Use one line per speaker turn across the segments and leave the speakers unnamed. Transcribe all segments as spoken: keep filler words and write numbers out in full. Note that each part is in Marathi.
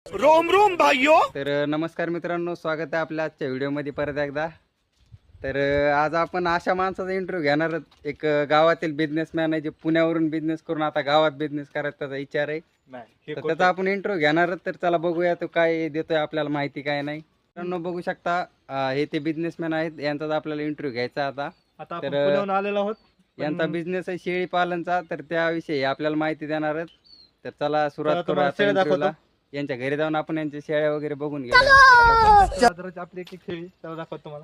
रोम रोम भाइयों. तर नमस्कार मित्रांनो, स्वागत आहे आपल्या आजच्या व्हिडिओमध्ये परत एकदा. तर आज आपण अशा माणसाचा इंटरव्ह्यू घेणार आहोत. एक गावातील बिझनेसमॅन आहे जे पुण्यावरून बिझनेस करून आता गावात बिझनेस करायचा त्याचा विचार आहे. तर त्याचा आपण इंटरव्ह्यू घेणार आहोत. तर चला बघूया तो काय देतोय आपल्याला माहिती काय नाही. मित्रांनो बघू शकता हे ते बिझनेसमॅन आहेत, यांचाच आपल्याला इंटरव्ह्यू घ्यायचा आता.
तर पुण्याहून आलेलो आहोत.
यांचा बिझनेस आहे शेळी पालनचा, तर त्याविषयी आपल्याला माहिती देणार आहेत. तर चला सुरुवात करू आता इंटरव्ह्यूला. यांच्या घरी जाऊन आपण यांच्या शेळ्या वगैरे बघून घेऊया.
आपली एक शेळी त्याला दाखवतो तुम्हाला.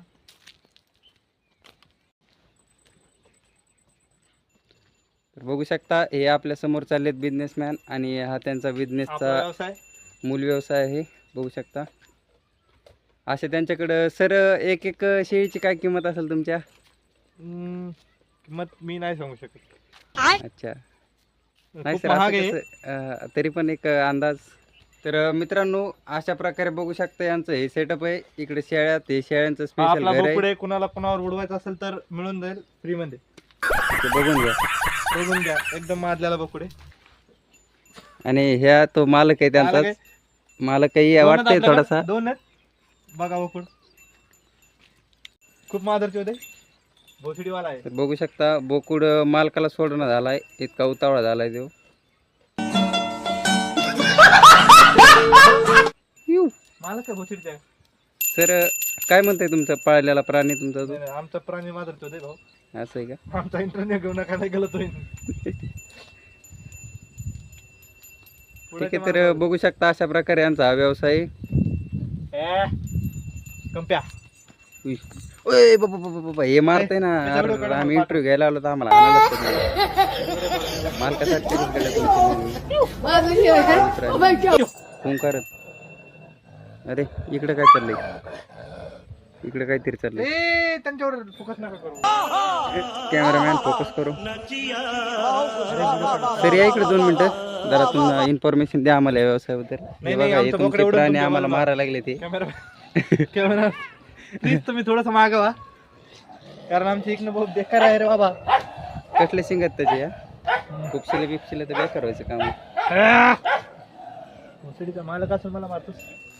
तर बघू शकता हे आपल्या समोर चाललेत बिझनेसमॅन आणि हा त्यांचा बिझनेसचा
व्यवसाय
मूल व्यवसाय आहे. बघू शकता असे त्यांच्याकडं. सर एक एक शेळीची काय किंमत असेल तुमच्या?
किंमत मी नाही सांगू शकत.
अच्छा नाही सर, असं कसं, तरी पण एक अंदाज. तर मित्रांनो अशा प्रकारे बघू शकता यांचं हे सेटअप आहे. इकडे शेळ्या, ते शेळ्यांचं स्पेशल घर आहे.
कुणाला कुणावर उडवायचं असेल तर मिळून जाईल फ्री मध्ये.
बघून घ्या
बघून घ्या एकदम मारलेला बोकडे.
आणि ह्या तो मालक आहे त्यांचाच. मालक काही वाटतंय थोडासा.
दोन आहेत बघा बोकड, खूप मादरचे होते. भोसडीवाला आहे.
तर बघू शकता बोकुड मालकाला सोडणं झालाय, इतका उतावळा झालाय तो.
मालक आहे भोसडीचा.
सर काय म्हणताय तुमचा पाळलेला प्राणी तुमचा तो?
आमचा प्राणी मादरचे होते भाऊ.
असं आहे का?
आमचा इंटरनेट घेऊन नका नाही गेलो तो.
ठीक आहे. तर बघू शकता अशा प्रकारे यांचा हा व्यवसाय.
कंप्या
ओय बाबा बाबा बाबा हे मारतंय ना. आम्ही इंटरव्ह्यू घ्यायला आलो तर आम्हाला मालकासाठी फोन करत. अरे इकडे काय चाललंय? इकडे काहीतरी चाललंय.
त्यांच्यावर फोकस नका करू.
कॅमेरामॅन फोकस करू. सर या इकडे दोन मिनिटं जरा तुम्हाला इन्फॉर्मेशन द्या आम्हाला या व्यवसायाबद्दल. हे बघा हे तुमचे प्राणी आम्हाला मारायला लागले ते.
कॅमेरा प्लीज तुम्ही थोडस मागवा, कारण आमची इकडनं बहुत बेकार आहे रे बाबा.
कसले शिंगत त्याचे या खुपशिले बिपशिले तर बेकार व्हायचं काम.
भोसडीचा मालक असून मला मारतोस.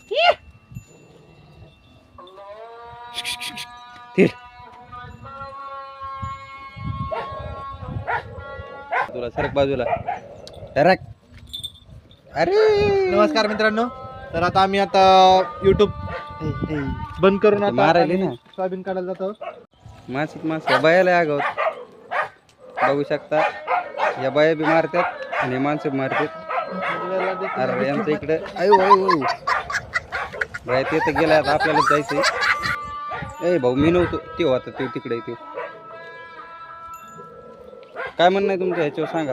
तुला सरक बाजूला सरक. अरे
नमस्कार मित्रांनो. तर आता आम्ही आता युट्यूब बंद करून आता
मारायले ना
सोयाबीन काढायला जातो.
मासिक मास या बायाला आगावत बघू शकता. या बाया बी मारतात आणि माणसं बी मारतात. अरे यांचं इकडे अयो अयो बाय ते तर गेला. आता आपल्याला जायचंय. ए भाऊ मी नव्हतो ते होता ते तिकडे. ते काय म्हणणं आहे तुमचं ह्याच्यावर सांगा.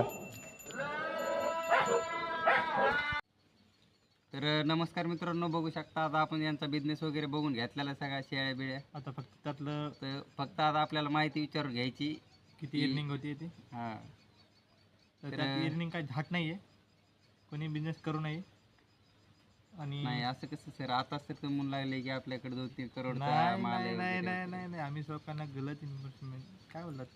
तर नमस्कार मित्रांनो, बघू शकता आता आपण यांचा बिझनेस वगैरे बघून घेतलेला सगळ्या शेळ्या बिळ्या.
आता फक्त त्यातलं
तर फक्त आता आपल्याला माहिती विचारून घ्यायची
किती अर्निंग होती ती.
हां
तर अर्निंग काही झाट नाहीये, कोणी बिझनेस करू नये. आणि
नाही असं कसं सर, आता सर तुम्ही लागले की आपल्याकडे दोन तीन करोड
नाही नाही नाही नाही नाही नाही आम्ही लोकांना गलत इन्व्हेस्टमेंट काय बोललात.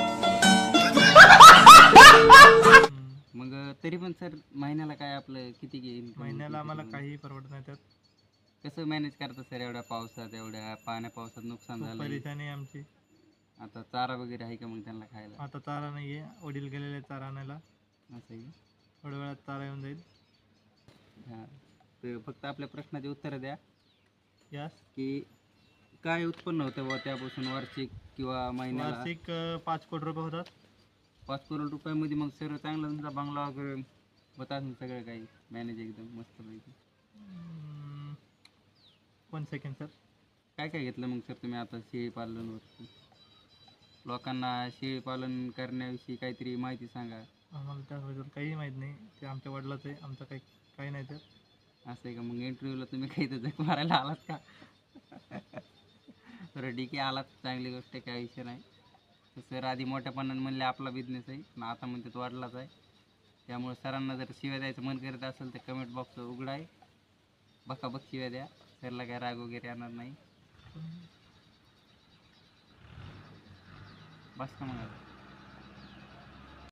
मग तरी पण सर महिन्याला काय आपलं किती घेईल?
महिन्याला आम्हाला काही परवडत नाही. त्यात
कसं मॅनेज करता सर एवढ्या पावसात, एवढ्या पाण्या पावसात नुकसान झालं?
परेशानी आमची.
आता चारा वगैरे आहे का मग त्यांना खायला?
आता चारा नाहीये, वडील गेलेले चारा आणायला.
असं आहे
थोड्या वेळात चारा येऊन जाईल.
हां तर फक्त आपल्या प्रश्नाची उत्तरं द्या.
यास
की काय उत्पन्न होतं बुवा त्यापासून वार्षिक किंवा महिन्याला?
वार्षिक पाच कोटी रुपये होतात.
पाच करोड रुपयामध्ये मग सर चांगला तुमचा बंगला वगैरे होत असेल सगळं काही मॅनेज एकदम मस्त पैकी.
One second sir.
काय काय घेतलं मग सर तुम्ही आता शेळी पालनवर? लोकांना शेळी पालन करण्याविषयी काहीतरी माहिती सांगा.
आम्हाला त्याबद्दल काही माहीत नाही, ते आमच्या वडिलाचं आहे, आमचं काही काही नाही. तर
असं आहे का? मग इंटरव्ह्यूला तुम्ही काही तर जग मारायला आलात का? तर ठीक आहे आलात, चांगली गोष्ट आहे, काही विषय नाही. तर सर आधी मोठ्यापणाने म्हणले आपला बिझनेस आहे आणि आता म्हणते तो वाढलाच आहे. त्यामुळे सरांना जर शिव्या द्यायचं मन करत असेल तर कमेंट बॉक्स उघडा आहे, बघा बघ शिव्या द्या. सरला काय राग वगैरे येणार नाही. बस का मग.